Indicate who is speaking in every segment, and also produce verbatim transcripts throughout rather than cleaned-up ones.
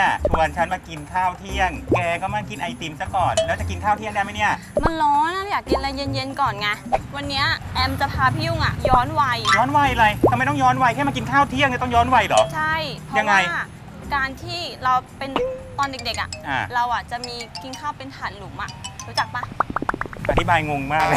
Speaker 1: เนี่ยชวนฉันมากินข้าวเที่ยงแกก็มากินไอติมซะก่อนแล้วจะกินข้าวเที่ยงได้ไหมเนี่ย
Speaker 2: มันร้อนนะอยากกินอะไรเย็นๆก่อนไงวันนี้แอมจะพาพี่ยุ่งอ่ะย้อนวัย
Speaker 1: ย้อนวัยอะไรทำไมต้องย้อนวัยแค่มากินข้าวเที่ยงเนี่ยต้องย้อนวัยเหรอ
Speaker 2: ใช่เพราะว่าการที่เราเป็นตอนเด็กๆอ่ะเราอ่ะจะมีกินข้าวเป็นถาดหลุมอ่ะรู้จักปะ
Speaker 1: อธิบายงงมากเลย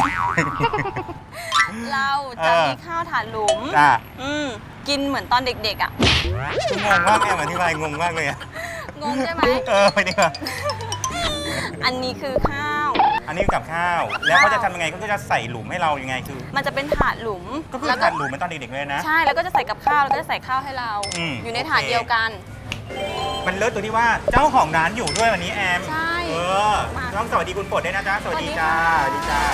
Speaker 2: เราจะมีข้าวถาดหลุมอืมกินเหมือนตอนเด็กๆอ่ะ
Speaker 1: งงมากแอมอธิบายงงมากเลยอะ
Speaker 2: งงใช่ไหม
Speaker 1: เออไปดีกว่า
Speaker 2: อันนี้คือข้าว
Speaker 1: อันนี้กับข้าวแล้วเขาจะทำยังไงเขาจะใส่หลุมให้เรายังไงคือ
Speaker 2: มันจะเป็นถาดหลุม
Speaker 1: ก็คือถาดหลุมเหมือนตอนเด็กๆเลยนะ
Speaker 2: ใช่แล้วก็จะใส่กับข้าวแล้วก็จะใส่ข้าวให้เราอยู่ในถาดเดียวกัน
Speaker 1: มันเลิศตรงที่ว่าเจ้าของร้านอยู่ด้วยวันนี้แอม
Speaker 2: ใช่
Speaker 1: เออต้องสวัสดีคุณฝนด้วยนะจ๊ะสวัสดีจ้าสวัสดีจ้า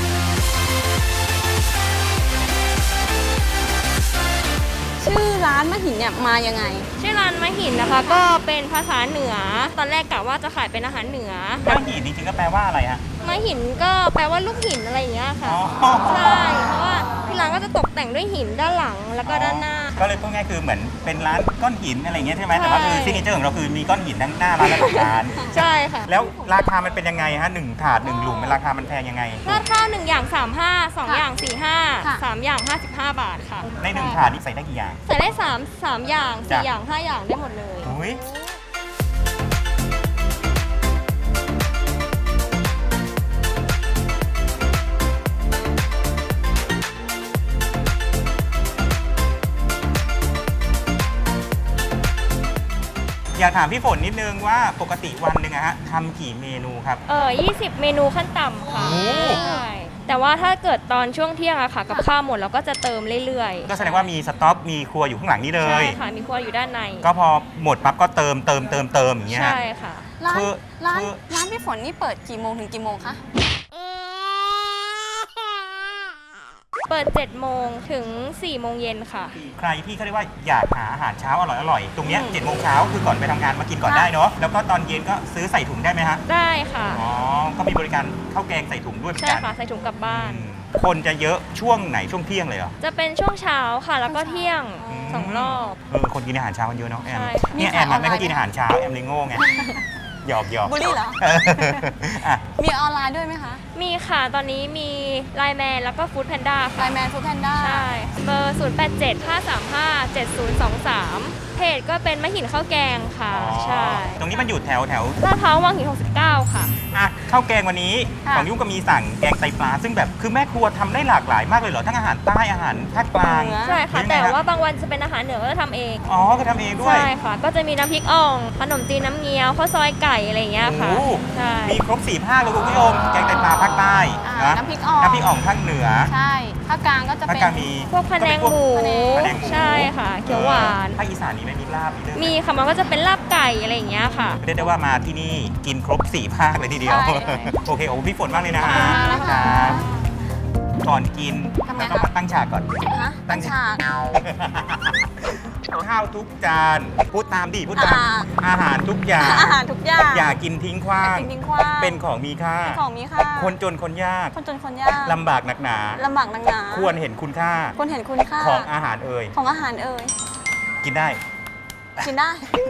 Speaker 2: ชื่อร้านมะหินเนี่ยมายังไง
Speaker 3: ชื่อร้านมะหินนะคะก็เป็นภาษาเหนือตอนแรกกะว่าจะขายเป็นอาหารเหนือ
Speaker 1: มะหินจริงๆก็แปลว่าอะไรฮะ
Speaker 3: มะหินก็แปลว่าลูกหินอะไรอย่างเงี้ยค่ะใช่เพราะว่าที่ร้านก็จะตกแต่งด้วยหินด้านหลังแล้วก็ด้านหน้า
Speaker 1: ก็เลยพูดง่ายคือเหมือนเป็นร้านก้อนหินอะไรเงี้ยใช่ไหมแต่ว่าคือซิกเนเจอร์ของเราคือมีก้อนหินทั้งหน้าร้านและหลังร้าน
Speaker 3: ใช่ค่ะ
Speaker 1: แล้วราคามันเป็นยังไงฮะหนึ่งถาดหนึ่งหลุมเป็นราคามันแพงยังไง
Speaker 3: ราคาหนึ่งอย่างสามห้าสองอย่างสี่ห้าสามอย่างห้าสิบห้าบาทค่ะ
Speaker 1: ในหนึ่งถาดนี่ใส่ได้กี่อย่าง
Speaker 3: ใส่ได้สามสามอย่างสี่อย่างห้าอย่างได้หมดเลย
Speaker 1: อยากถามพี่ฝนนิดนึงว่าปกติวันหนึ่งอะฮะทำกี่เมนูครับ
Speaker 3: เออยี่สิบเมนูขั้นต่ำค่ะใช่แต่ว่าถ้าเกิดตอนช่วงเที่ยงอะค่ะกับข้าวหมดเราก็จะเติมเรื่อย
Speaker 1: ๆก็แสดงว่ามีสต็อกมีครัวอยู่ข้างหลังนี้เลย
Speaker 3: ใช่ค่ะมีครัวอยู่ด้านใน
Speaker 1: ก็พอหมดปั๊บก็เติมเติมเติมเติมอย่างเงี้ย
Speaker 3: ใช่ค่ะ
Speaker 2: ร้านร้านร้านพี่ฝนนี่เปิดกี่โมงถึงกี่โมงคะ
Speaker 3: เปิดเจ็ดโมงถึงสี่โมงเย็นค่ะ
Speaker 1: ใครที่เขาเรียกว่าอยากหาอาหารเช้าอร่อยอร่อยตรงเนี้ยเจ็ดโมงเช้าคือก่อนไปทำงานมากินก่อนได้เนาะแล้วก็ตอนเย็นก็ซื้อใส่ถุงได้ไหมฮะ
Speaker 3: ได้ค่ะ
Speaker 1: อ๋อก็มีบริการข้าวแกงใส่ถุงด้วยเหมือนกัน
Speaker 3: ใช่ค่ะใส่ถุงกลับบ้าน
Speaker 1: คนจะเยอะช่วงไหนช่วงเที่ยงเลยเหรอ
Speaker 3: จะเป็นช่วงเช้าค่ะแล้วก็เที่ยงสองรอบ
Speaker 1: เออคนกินอาหารเช้ากันเยอะเนาะแอมเนี่ยแอมไม่ค่อยกินอาหารเช้าแอมเลยโง่ไงหยอกหยอก
Speaker 2: บุรีเหรอมีออนไลน์ด้วยไหมคะ
Speaker 3: มีค่ะตอนนี้มีไลน์แมนแล้วก็ฟู้ดแพนด้า
Speaker 2: ไลน์แมนฟู้ดแพนด้า
Speaker 3: ใช่เบอร์ศูนย์แปดเจ็ดห้าสามห้าเจ็ดศูนย์สองสามเพจก็เป็นมะหินข้าวแกงค่ะใช่
Speaker 1: ตรงนี้มันอยู่แถวแถว
Speaker 3: ลาดพร้าววังหินหกสิบเก้าค่ะ
Speaker 1: อ่ะข้าวแกงวันนี้ของยุ่งก็มีสั่งแกงไตปลาซึ่งแบบคือแม่ครัวทำได้หลากหลายมากเลยเหรอทั้งอาหารใต้อาหารภาคกลาง
Speaker 3: ใช่ค่ะแต่ว่าบางวันจะเป็นอาหารเหนือก็จะทำเอง
Speaker 1: อ๋อก็ทำเองด้วย
Speaker 3: ใช่ค่ะก็จะมีน้ำพริกอ่องขนมจีนน้ำเงี้ยวข้าวซอยไก่อะไรอย่างเงี้ยค่ะ
Speaker 1: ใช่มีครบสี่ภาคเลยคุณผู้ชมแกงไตปลาภาคใต้
Speaker 2: น้ำพริกอ่อง
Speaker 1: น้ำพริกอ่องภาคเหนือ
Speaker 2: ใช่ภาคกลางก็จะเป็น
Speaker 3: พวกพะแนงหมูใช่ค่ะเขียวหวาน
Speaker 1: ภาคอีสานนี้ไม่มีลาบ
Speaker 3: มีค่ะมันก็จะเป็นลาบไก่อะไรอย่างเงี้ยค่ะ
Speaker 1: เรียกได้ว่ามาที่นี่กินครบสี่ภาคเลยทีเดียวโอเคโอ้พี่ฝนมากเลยนะฮะก่อนกินเราต้องมาตั้งฉากก่อน
Speaker 2: ตั้งฉาก
Speaker 1: ข้าวทุกจานพูดตามดิพูดตามอาหารทุกอย่าง
Speaker 2: อาหารทุกอย่าง
Speaker 1: อย่ากินทิ้งขว้างเป็นของมีค่า
Speaker 2: ของมีค่า
Speaker 1: คนจนคนยาก
Speaker 2: คนจนคนยาก
Speaker 1: ลำบากหนักหนา
Speaker 2: ลำบากหนักหนา
Speaker 1: ควรเห็นคุณค่า
Speaker 2: ควรเห็นคุณค่า
Speaker 1: ของอาหารเอ่ย
Speaker 2: ของอาหารเอ่ย
Speaker 1: กินได้
Speaker 2: กินได้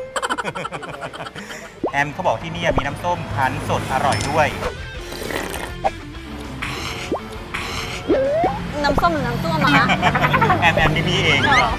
Speaker 1: แอมเขาบอกที่นี่มีน้ำส้มคั้นสดอร่อยด้วย
Speaker 2: น้ำส้มหรือน้ำส้วมอะคะ
Speaker 1: แอมแอมนี่มีเอง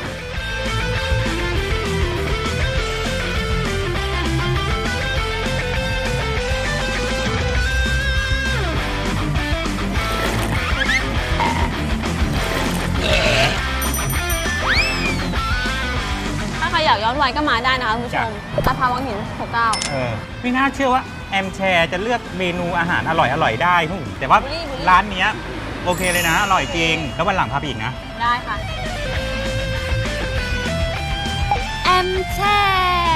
Speaker 2: อยากย้อนวัยก็มาได้นะคะคุณผู้ชมลาดพร้าววังหินหกสิบเก้า
Speaker 1: เออไม่น่าเชื่อว่าแอมแชร์จะเลือกเมนูอาหารอร่อยอร่อยได้แต่ว่าร้านนี้โอเคเลยนะอร่อยจริงแล้ววันหลังพาไปอีกนะ
Speaker 2: ได้ค่ะ
Speaker 3: แอมแชร์